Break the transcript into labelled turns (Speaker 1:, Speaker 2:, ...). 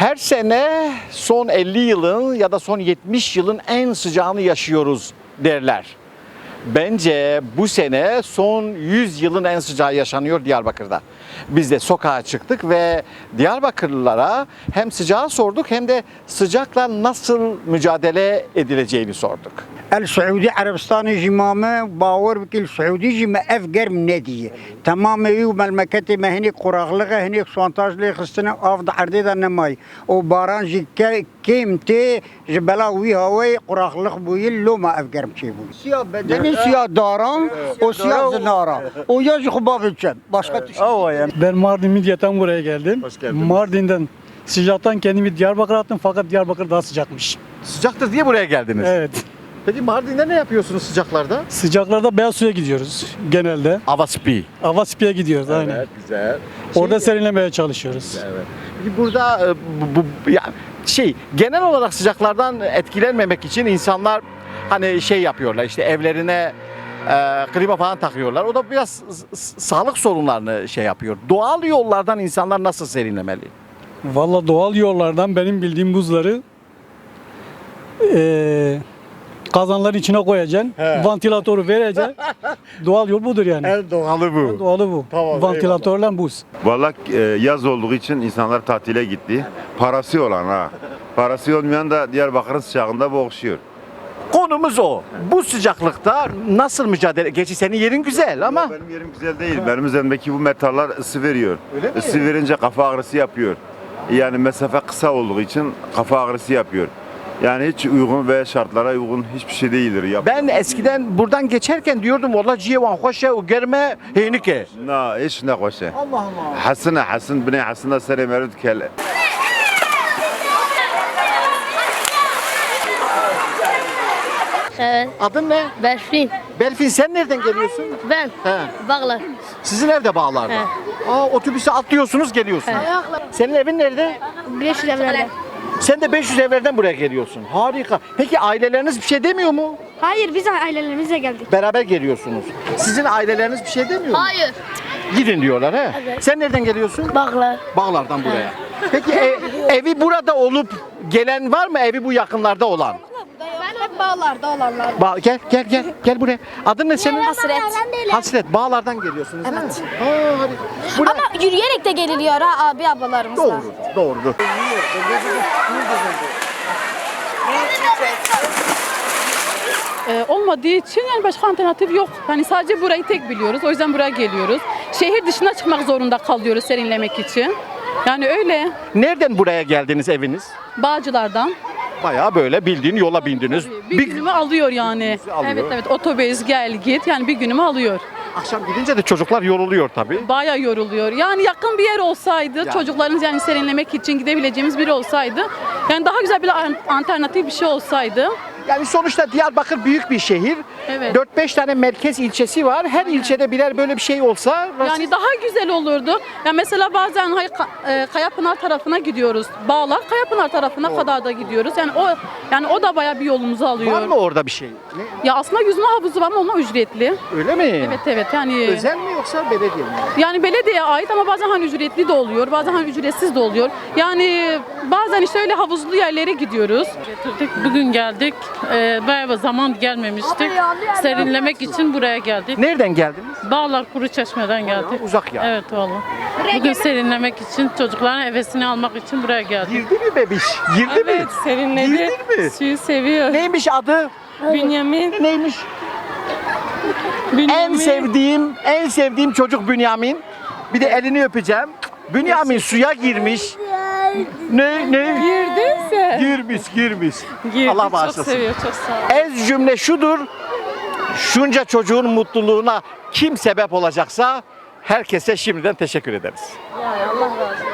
Speaker 1: Her sene son 50 yılın ya da son 70 yılın en sıcağını yaşıyoruz derler. Bence bu sene son 100 yılın en sıcağı yaşanıyor Diyarbakır'da. Biz de sokağa çıktık ve Diyarbakırlılara hem sıcağı sorduk hem de sıcakla nasıl mücadele edileceğini sorduk.
Speaker 2: السعودي عربستان جمامة باور بكل سعودي جم أفجر من نادي تمام يوم المكاتب هني قراغلغة هني سوانتاج لي خستنا أفضل عردي ذا النماي وباران جي كيمتي جبلاوي هواي قراغلغ بويل لو ما أفجر مشيبو سيا بدني سيا داران وسيا زنارا وياج خباب الشام başka
Speaker 3: Ben Mardin Midyat'tan buraya geldim.
Speaker 1: Hoş geldin.
Speaker 3: Mardin'den sıcaktan kendimi Diyarbakır'a attım fakat Diyarbakır daha sıcakmış.
Speaker 1: Sıcaktır diye buraya geldiniz.
Speaker 3: Evet.
Speaker 1: Peki Mardin'de ne yapıyorsunuz sıcaklarda?
Speaker 3: Sıcaklarda beyaz suya gidiyoruz genelde.
Speaker 1: Avaspi.
Speaker 3: Avaspi'ye gidiyoruz aynen.
Speaker 1: güzel.
Speaker 3: Orada serinlemeye çalışıyoruz.
Speaker 1: Evet. Peki burada genel olarak sıcaklardan etkilenmemek için insanlar hani şey yapıyorlar işte evlerine klima falan takıyorlar. O da biraz sağlık sorunlarını şey yapıyor. Doğal yollardan insanlar nasıl serinlemeli?
Speaker 3: Valla doğal yollardan benim bildiğim buzları kazanların içine koyacaksın.
Speaker 1: He.
Speaker 3: Vantilatörü vereceksin. Doğal yol budur yani.
Speaker 1: En doğalı bu.
Speaker 3: Doğalı bu.
Speaker 1: Tamam,
Speaker 3: Vantilatörle buz.
Speaker 4: Vallahi yaz olduğu için insanlar tatile gitti. Parası olan ha. Parası olmayan da Diyarbakır'ın sıcağında boğuşuyor.
Speaker 1: Konumuz o. Bu sıcaklıkta nasıl mücadele? Gerçi senin yerin güzel ama
Speaker 4: Benim yerim güzel değil. Benim üzerimdeki bu metaller ısı veriyor.
Speaker 1: Öyle mi?
Speaker 4: Isı verince kafa ağrısı yapıyor. Yani mesafe kısa olduğu için kafa ağrısı yapıyor. Yani hiç uygun ve şartlara uygun hiçbir şey değildir.
Speaker 1: ben eskiden buradan geçerken diyordum valla civan hoşa o germe heynike.
Speaker 4: Na, hiç ne koşa.
Speaker 1: Allah Allah.
Speaker 4: Hasan bine Hasan'a sere merud kel.
Speaker 5: Evet,
Speaker 1: Adın ne?
Speaker 5: Berfin.
Speaker 1: Berfin sen nereden geliyorsun?
Speaker 5: Ben.
Speaker 1: He.
Speaker 5: Bağlar.
Speaker 1: Sizin evde Bağlar'da.
Speaker 5: He.
Speaker 1: Otobüse atlıyorsunuz geliyorsunuz. Senin evin nerede?
Speaker 5: Birleşik Devletler.
Speaker 1: Sen de 500 evlerden buraya geliyorsun. Harika. Peki aileleriniz bir şey demiyor mu?
Speaker 5: Hayır, biz ailelerimizle geldik.
Speaker 1: Beraber geliyorsunuz. Sizin aileleriniz bir şey demiyor mu?
Speaker 5: Hayır.
Speaker 1: Gidin diyorlar he.
Speaker 5: Evet.
Speaker 1: Sen nereden geliyorsun?
Speaker 5: Bağlar.
Speaker 1: Bağlar'dan buraya. Peki evi burada olup gelen var mı evi bu yakınlarda olan?
Speaker 5: Ben hep bağlarda olanlar.
Speaker 1: Gel buraya. Adın ne senin?
Speaker 5: Hasret.
Speaker 1: Hasret. Bağlar'dan geliyorsunuz değil mi? Harika. Buraya-
Speaker 5: Ama yürüyerek de geliliyor ha abi ablalarımızla.
Speaker 1: Doğrudur.
Speaker 6: Olmadığı için yani başka alternatif yok. Hani sadece burayı tek biliyoruz. O yüzden buraya geliyoruz. Şehir dışına çıkmak zorunda kalıyoruz serinlemek için. Yani öyle.
Speaker 1: Nereden buraya geldiniz eviniz?
Speaker 6: Bağcılardan.
Speaker 1: Bayağı böyle bildiğin yola bindiniz.
Speaker 6: Bir günümü alıyor yani.
Speaker 1: Gününüzü alıyor.
Speaker 6: Evet otobüs gel git yani bir günümü alıyor.
Speaker 1: Akşam gidince de çocuklar yoruluyor tabii.
Speaker 6: Bayağı yoruluyor. Yani yakın bir yer olsaydı
Speaker 1: Yani.
Speaker 6: çocuklarımız yani serinlemek için gidebileceğimiz biri olsaydı. Yani daha güzel bir alternatif bir şey olsaydı.
Speaker 1: Yani sonuçta Diyarbakır büyük bir şehir.
Speaker 6: Evet.
Speaker 1: 4-5 tane merkez ilçesi var. Her ilçede birer böyle bir şey olsa
Speaker 6: Yani daha güzel olurdu. Ya mesela bazen Kayapınar tarafına gidiyoruz. Bağlar Kayapınar tarafına kadar da gidiyoruz. Yani o da bayağı bir yolumuzu alıyor.
Speaker 1: var mı orada bir şey?
Speaker 6: Ya aslında yüzme havuzu var ama ona ücretli.
Speaker 1: Öyle mi?
Speaker 6: Evet yani.
Speaker 1: Özel mi yoksa belediye mi?
Speaker 6: Yani belediyeye ait ama bazen hani ücretli de oluyor, bazen hani ücretsiz de oluyor. Yani bazen işte öyle havuzlu yerlere gidiyoruz.
Speaker 7: Bugün geldik. Bayağı zaman gelmemiştik. Serinlemek için buraya geldik.
Speaker 1: Nereden geldiniz?
Speaker 7: Bağlar Kuruçeşme'den geldik.
Speaker 1: Uzak ya.
Speaker 7: Evet valla. Bugün serinlemek için, çocukların hevesini almak için buraya geldik.
Speaker 1: Girdi mi bebiş? Girdi mi?
Speaker 7: Evet, serinledi.
Speaker 1: Girdin mi?
Speaker 7: Suyu seviyor.
Speaker 1: Neymiş adı?
Speaker 7: Bünyamin.
Speaker 1: Neymiş? En sevdiğim çocuk Bünyamin. Bir de elini öpeceğim. Bünyamin suya girmiş. Ne?
Speaker 7: Girdiyse.
Speaker 1: Girmiş.
Speaker 7: Girdi.
Speaker 1: Allah
Speaker 7: Çok
Speaker 1: bağışlasın.
Speaker 7: seviyor, çok sağ ol.
Speaker 1: Ez cümle şudur. Şunca çocuğun mutluluğuna kim sebep olacaksa herkese şimdiden teşekkür ederiz.
Speaker 7: Allah razı olsun.